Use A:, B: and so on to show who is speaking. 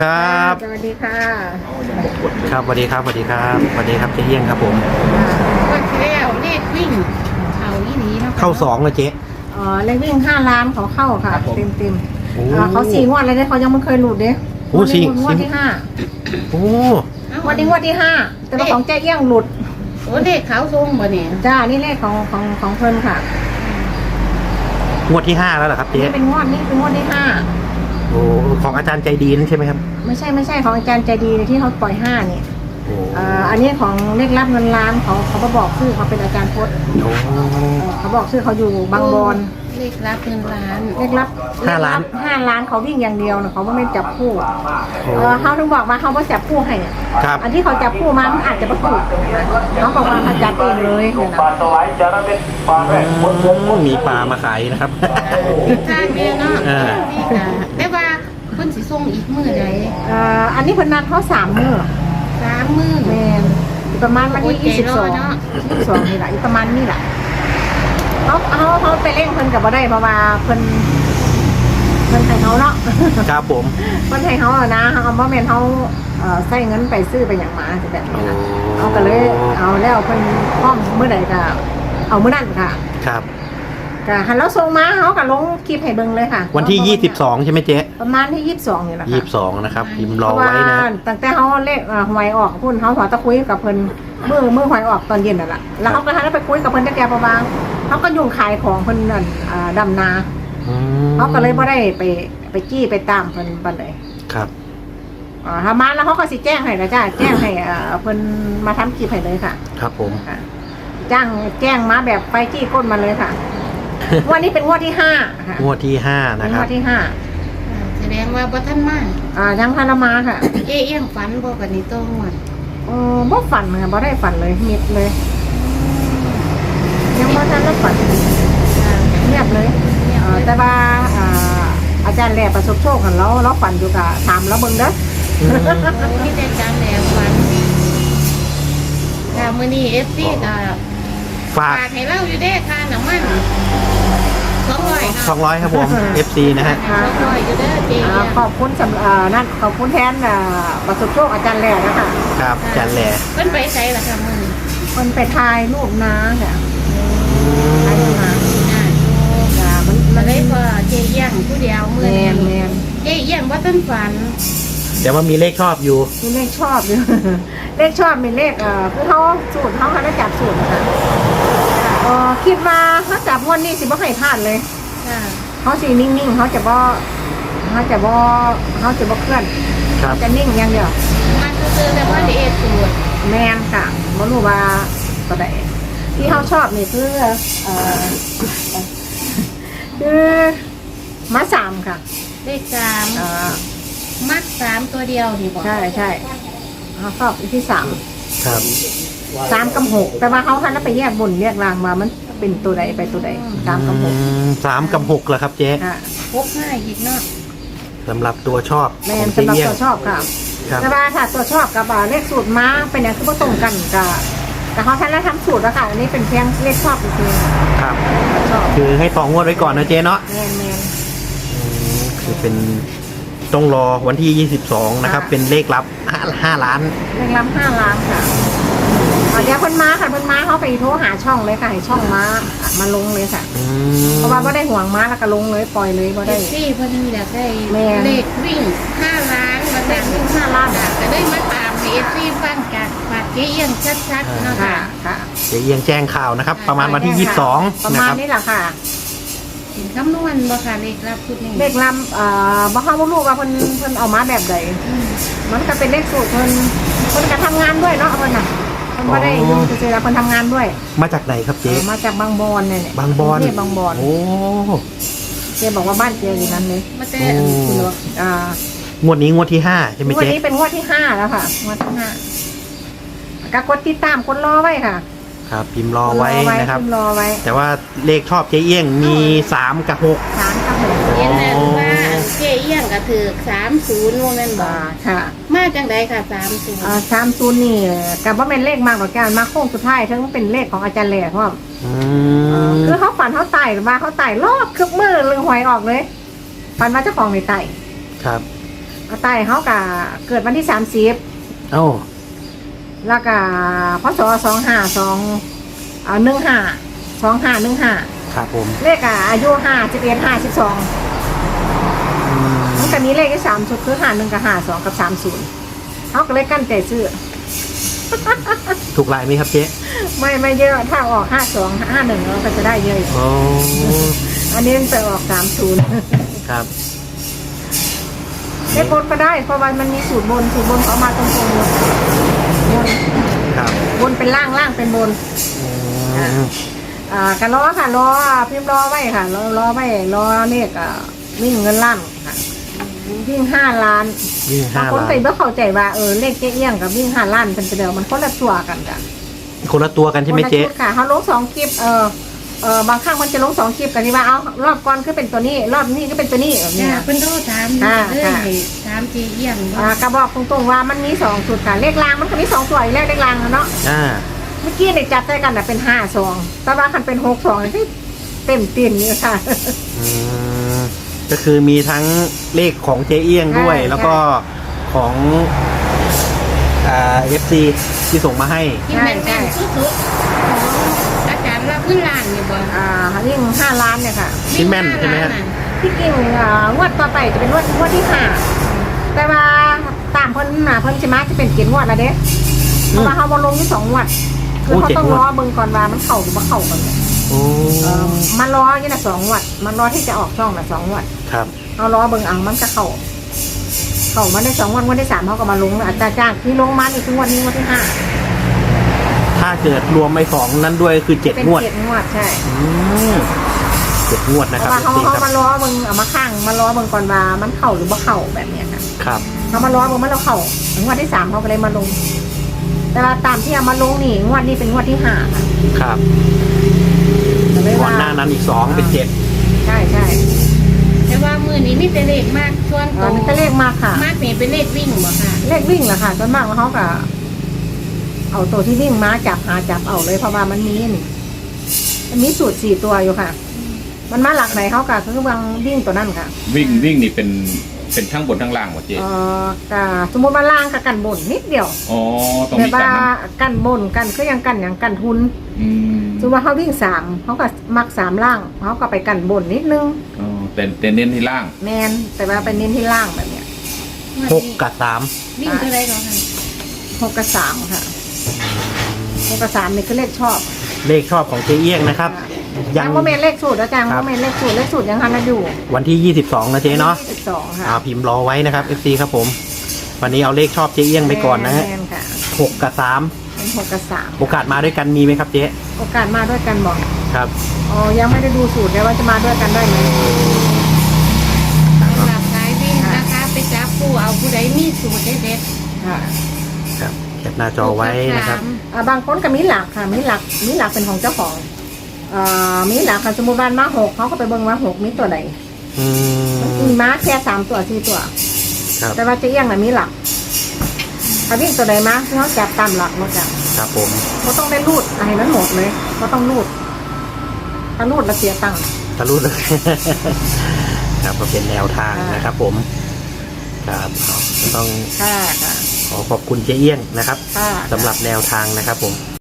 A: ครับ
B: สวัสดีค่ะ
A: ครับสวัสดีครับสวัสดีครับสวัสดีครับเจ๊เอี้ยงครับผม
B: วันที่แล้วเลขวิ่งเขาอีหลีเนาะ
A: เข้าสองเลยเจ๊
B: เลขวิ่ง5 ล้านเขาเข้าค่ะเต็มเขา4 งวดเลยเนี่ยเขายังไม่เคยหลุดเด้
A: โอ้สี่
B: งวดที่ห้า
A: โอ้
B: งวดที่5แต่ว่าของแจ้เอี้ยงหลุด
C: โอ้เลขเขาทรงบ่เนี่ย
B: จ้านี่เลขของเพิ่นค่ะ
A: งวดที่5แล้วเหรอครับเจ๊
B: นี่เป็นงวดที่5
A: โอ้ของอาจารย์ใจดีนั่นใช่ไหมครับ
B: ไม่ใช่ของอาจารย์ใจดีที่เขาปล่อย5นี่
A: โอ้
B: อันนี้ของเลขลับเงินล้านเขามาบอกชื่อเขาเป็นอาจารย์พจน์
A: โอ้
B: เขาบอกชื่อเขาอยู่บางบอน
C: เลขรับเงินล้าน
B: เลขลับ
A: 5 ล้าน
B: 5 ล้านเขาวิ่งอย่างเดียวนะเขาไม่จับคู่เขาถึงบอกว่าเขาไม่จับคู่ให้อะ
A: ครับ
B: อันที่เขาจับคู่มามันอาจจะประกบเขาบอกว่าเขาจับเองเลยเนี่ยนะ
A: มีปลามาขายนะครับ
C: ทางเดียวเนาะ
A: อ่า
C: นี่ค่ะแต่ว่าเพิ่นสิส่งอีกมื้อใด
B: อันนี้เพิ่นนัดเขา3 มื้อ
C: 3 มื้อ
B: แมนอีกประมาณวันที่
C: โอ้ยใจร้อนเนอะ
B: 22นี่แหละอีกประมาณนี่แหละเขาไปเล่นเพิ่นกับบ่ได้เพราะว่าเพิ่นให้เขาเนาะ
A: ครับผม
B: เพิ่นให้เขาอะนะเขาเอาบ่แม่นเขาใส่เงินไปซื้อไปอย่างหมาจะแบบนี้นะเอาก็เลยเอาแล้วเพิ่นพร้อมมื้อใดก็เอามื้อนั้นค่ะ
A: ครับ
B: ก็หันแล้วส่งมาเขาก็ลงคลิปให้เบิ่งเลยค่ะ
A: วันที่22ใช่ไหมเจ๊
B: ประมาณที่22นี่แหละค่ะ
A: 22นะครับพิมพ์รอ
B: เพราะว่า
A: ไว้นะ
B: ตั้งแต่เขาเลขหวยออกพุ่นเขาขอตะคุยกับเพิ่นมื้อหวยออกตอนเย็นนั่นแหละแล้วเขาก็หันไปคุยกับเพิ่นจักแกประมาณเขาก็ยุ่งขายของเพิ่นนั่นดำนา
A: อืม
B: เขาก็เลยบ่ได้ไปจี้ไปตามเพิ่นปานใด
A: ครับ
B: ถ้ามาแล้วเขาก็สิแจ้งให้นะจ้าแจ้งให้เพิ่นมาทำคลิปให้เลยค่ะ
A: ครับผม
B: ค่ะแจ้งมาแบบไปจี้ก้นมาเลยค่ะ วันนี้เป็นงวดที่5ค่ะ
A: งวดที่5
B: เป็
A: นะ
B: น
A: ค
B: ง
A: รับ
B: วดที่5
C: แสดงว่าบ่ทันมา
B: ยังพารามาค่ะ
C: เจ๊เอี้ยงฝันบ่กันนี่ต้องหมด
B: บ่ฝันค่ะบ่ได้ฝันเลยมิดเลย ยังบ่ทันได้ฝันเงียบเลยแต่ว่าอาจารย์แหล่ประสบโชคของเราฝันอยู่กับถามแล้วเบิ่งเด้อ
A: อืม
C: โอ้มีแต่จำแหลมฝันค่ะมื้อนี้ FC ก็
A: ฝาก
C: ฝากให้เราอยู่เด้ค่าน้ำมัน200ค่ะ
A: 200ครับผม FC นะฮะ
C: 200อยู่เด้อเจ๊เอี้ยง
B: ขอบคุณสำนั่นขอบคุณแทนประสบโชคอาจารย์แหล่นะคะ
A: ครับอาจารย์แหล่
C: เพิ่นไปไสล่ะค่ะมื้อนี้
B: คนไปถ่ายรูปน้าค่ะถ่ายรูปน้า มัน
C: มาเลยพอเจ๊เอี้ยงผู้เดียวมื้อ
B: แม
C: นี้
B: นแมน
C: เจ๊เอี้ยงบ่ทันฝัน
A: แต่ว่ามีเลขชอบอยู่
B: มีเลขชอบอยู่ เลขชอบมีเลขคือเขาสูตรเขาได้จับสูตรนะคะคิดว่าถ้าจับงวดนี้สิบ่ให้พลาดเลย
C: ค่ะ
B: เขาสินิ่งๆเขาจะบ่เคลื่อน
A: ครับ
B: จะนิ่งอย่างเดียว
C: มาซื้อๆแต่ว่าได้เอ็ดสูตร
B: แมนค่ะบ่รู้ว่าตัวใดที่เขาชอบนี่คือคือมา3ค่ะ
C: เลข3
B: เอ่อ
C: มัด3ตัวเดียวนี่บ่
B: ใช่เขาชอบที่
A: ครับ
B: 3กับ6แต่ว่าเขาทันแล้วไปแยกบนแยกล่างมามันเป็นตัวใดไปตัวใด3กับ6
A: 3 กับ6เหรอครับเจ๊
B: ค่ะ
C: 65อีกเนาะ
A: สำหรับตัวชอบ
B: แม
A: ของ
B: น
A: เจ๊
B: สำหรับ
A: เอี้ยง
B: ตัวชอบค่ะ
A: ครับ
B: แต่ว่าถ้าตัวชอบกับเลขสูตรมาเป็นอย่างคือบ่ตรงกันแต่เขาทันแล้วทำสูตรแล้วค่ะอันนี้เป็นเพียงเลขชอบจริง
A: ครับ
B: ๆชอบ
A: คือให้ต่องวดไว้ก่อนนะเจ๊เนาะ
B: แมน
A: คือเป็นต้องรอวันที่ 22 นะครับ
B: ค่ะ
A: เป็นเลขลับ 5 ล้าน
B: เลขรับ5 ล้านค่ะเดี๋ยวเพิ่นมาค่ะเพิ่นมาเขาไปโทรหาช่องเลยค่ะให้ช่องมาลงเลยค่ะ
A: อืม
B: เพราะว่าไม่ได้ห่วงมาแล้วก็ลงเลยปล่อยเลยบ่
C: เอ
B: ได้
C: ฟซี่เพิ่นอยากได้
B: แม่
C: เลขวิ่ง5ล้านมาแต่งวิ่ง5ล้านก็ได้มาตามให้เอฟซี่ฟังจากปากเจ๊เอี้ยงชัดๆเนาะ
B: ค่ะ
C: ค่ะ
B: ค่ะ
A: เจ๊เอียงแจ้งข่าวนะครับ ประมาณวันที่ 22
B: ประ
A: นะ
B: มา
A: ค
B: ณ
A: รับ
B: นี้แหละค่ะ
C: สินคำนวณบ่ค่ะเลขรับชุดนี้
B: เลขลำบ่ฮู้ว่าลูกว่าเพิ่นเอามาแบบใด
C: อืม
B: มันก็เป็นเลขสูตรเพิ่นก็ทำงานด้วยเนาะเพิ่นน่ะเพิ่นบ่ได้อยู่ซื่อๆแล้วเพิ่นทำงานด้วย
A: มาจากไหนครับเจ๊
B: มาจากบางบอนเนี่ย
A: บางบอน
B: กรุเทพบางบอน
A: โอ้
B: เจ๊บอกว่าบ้านเจ๊อยู่นั้นเลย
C: มาแต่
A: โอ้
B: คุณหลวง
A: งวดนี้งวดที่ 5 ใช่ไหม
B: งวด
A: เจ๊
B: นี้เป็นงวดที่5แล้วค่ะงวดที่5ก็กดติดตามกดรอไว้ค่ะ
A: ครับ พิมพ์รอไว้นะครับ
B: พิมพ์รอไว้
A: แต่ว่าเลขชอบเจ๊เอี้ยงมี 3 กับ 6
B: 3กับ6
C: เย็นแล้วว่าเจ๊เอี้ยงก็ถือ30ว่าแม่นบ่
B: ค่ะ
C: มาจังไดค่ะ30
B: 30นี่กับว่าเป็นเลขมากกว่าการมาโค้งสุดท้ายทั้งเป็นเลขของอาจารย์แหล่เพราะว่า
A: อืม
B: คือเขาฝันเขาไต่มาเขาไต่รอบคึกมือลือหวยออกเลยฝันว่าเจ้าของในไต่
A: ครับ
B: ตายเขากะเกิดวันที่30
A: เอ้า
B: แล้วก็พศ2515
A: ครับผม
B: เลขอายุ51 52มันก็มีเลขที่3ชุดคือ51กับ52กับ30เขาก็เลยกั้นใจซื้อ
A: ถูกลายไหมครับเจ๊
B: ไม่เยอะถ้าออก52 51เราก็จะได้เยอะ
A: โอ้
B: อันนี้มันไปออก30
A: ครับ
B: เลขบนก็ได้เพราะว่ามันมีสูตรบนเขามาตรงๆบน
A: ครับ
B: บนเป็นล่างเป็นบน
A: อืม
B: กันล้อค่ะล้อพิมพ์ล้อไว้ค่ะล้อไว้ล้อเลขวิ่งเงินล้านค่ะวิ่ง5 ล้าน
A: วิ่ง
B: บาง
A: 5
B: คน
A: ล้าน
B: ไปเมื่อเข้าใจว่าเลขเจ๊เอี้ยงกับวิ่ง5 ล้านเป็นไปเดียวมันคนละตัวกันจ้ะ
A: คนละตัวกันใช่ไหมเจ๊
B: คนละชุดค่ะเขาลง2 คลิปบางครั้งมันจะลง2 คลิปกันที่ว่าเอารอบก่อนก็เป็นตัวนี้รอบนี้ก็เป็นตัวนี้แบบนี้
C: จ้า
B: นะ
C: เพิ่นโทรถามเลยถามเจีเยี่ยง
B: กระบอกตรงๆว่ามันมี2ชุดค่ะเลขรางมันก็มี2ตัวอีกแล้วเลขรางเนาะ
A: อ่า
B: เมื่อกี้เนี่ยจับได้กันเป็น5-2แต่ว่าคันเป็น6-2ที่เต็มตีนนี่ค่ะ
A: อืมก็คือมีทั้งเลขของเจ๊เอี้ยงด้วย
B: ใช่
A: แล้วก็ของFC ที่ส่งมาให้
C: ที่แม่นๆสุดๆอาจารย์รับเงินล้านนี่บ่
B: ยิ่ง5 ล้านเนี่ยค่ะ
A: ที่แม่นใช่ไหมฮะ
B: ที่กิ่งงวดต่อไปจะเป็นงวดที่5แต่ว่าตามเพิ่นเพิ่นใช่ไหมจะเป็น7 งวดแล้วเด้เพราะว่าเขาบอลงที่2 งวดคือเขาต้องรอเบิ่งก่อนว่ามันเข้าหรือบ่เข้ากันเนี่ย
A: โอ้
B: มันรออยู่น่ะ2 งวดมันรอที่จะออกช่องน่ะ2 งวด
A: ครับ
B: เอารอเบิ่งเอามันก็เข้ามาได้2 งวดงวดที่3เขาก็มาลงอัตราจ้างที่ลงมานี่คืองวดนี้งวดที่5
A: ถ้าเกิดรวมไปสองนั้นด้วยคือ
B: เป็น
A: 7 งวด
B: 7 งวดใช่
A: อืม7 งวดนะ
B: เพ
A: ครับ
B: ราะว่าเขา
A: FC ครับ
B: มารอเบิ่งเอามาข้างมารอเบิ่งก่อนว่ามันเข้าหรือบ่เข้าแบบเนี้ยค่ะ
A: ครับ
B: เขามารอเบิ่งมันเราเข้างวดที่3เขาก็เลยมาลง แต่ว่าตามที่เอามาลงนี่งวดนี้เป็นงวดที่5ค่ะ
A: ครับ
B: ก็เลย
A: ก่อ
B: ว่าน
A: หน้านั้นอีก 2 เป็น 7
B: ใช่
C: แต่ว่ามื้อนี้มีแต่เลขมากส่วนตัว
B: มันก็เลขมากค่ะ
C: มากนี่เป็นเลขวิ่งบ่ค่ะ
B: เลขวิ่งแหละค่ะส่วนมากเขาก็เอาตัวที่วิ่งมาจับเอาเลยเพราะว่ามันมีสูตร4 ตัวอยู่ค่ะ มันมาหลักไหนเขาก็คือบางวิ่งตัวนั่นค่ะ
D: วิ่งนี่เป็นทั้งบนทั้งล่างหมดเจ๊
B: ก็สมมติว่าล่างกับกันบนนิดเดียว
D: อ๋อต้อง
B: แต่
D: มี
B: ว่า
D: กันนะ
B: กันบนกันก็ยังกันอย่างกันทุน
D: อืม
B: สมมติว่าเขาวิ่ง3เขาก็มัก3 ล่างเขาก็ไปกันบนนิดนึง
D: อ๋อแต่เน้นที่ล่าง
B: แมนแต่ว่าไปเน้นที่ล่างแบบเนี้ย
A: 6 กับ
C: วิ่งเท่าไรก็ค่ะ
B: 6 กับ 3ค่ะ6 กับ 3นี่คือเลขชอบ
A: 3 เลขชอบของเจ๊เอี้ยงนะครับ
B: ยังโมเมนเลขสูตรอาจารย์โมเมนเลขสูตรยังทันอยู่
A: วันที่ 22 นะเจ๊เนาะ
B: 22ค่ะ
A: พิมพ์รอไว้นะครับ FC ครับผม วันนี้เอาเลขชอบเจ๊เอี้ยงไปก่อนนะฮะ
B: แม่ค่ะ
A: 6 กับ
B: เป็น6 กับ
A: 3 โอกาสมาด้วยกันมีไหมครับเจ๊
B: 3โอกาสมาด้วยกันบอก
A: ครับ
B: อ๋อยังไม่ได้ดูสูตรเลยว่าจะมาด้วยกันได้ไหม
C: สำหรับสายวิ่งนะคะ ไปจับผู้เอาผู้ใดมีสูตรเด็ด
B: ค่ะ
A: ครับแคปหน้า
C: ๆ
A: จอไว้นะครับ
B: บางคนก็มีหลักค่ะมีหลักเป็นของเจ้าของมีหลักค่ะสมมติว่ามา6เขาก็ไปเบิ่งว่า6มีตัวใด
A: อืม
B: มีม้าแค่3 ตัว 4 ตัว
A: ครับ
B: แต่ว่าเจะเอี้ยงน่ะมีหลักถ้าวิ่งตัวใดมาเขาจับตามหลักมาจับ
A: ครับผม
B: เขาต้องได้รูดให้มันหมดเลยเขาต้องรูดถ้ารูดแล้วเสียตังค์
A: ทะลุเลย ครับก็เป็นแนวทางนะครับผม ครับก็ต้อง
B: ค่ะ
A: ขอขอบคุณเจ๊เอี้ยงนะครับ
B: ค่ะ
A: สำหรับแนวทางนะครับผม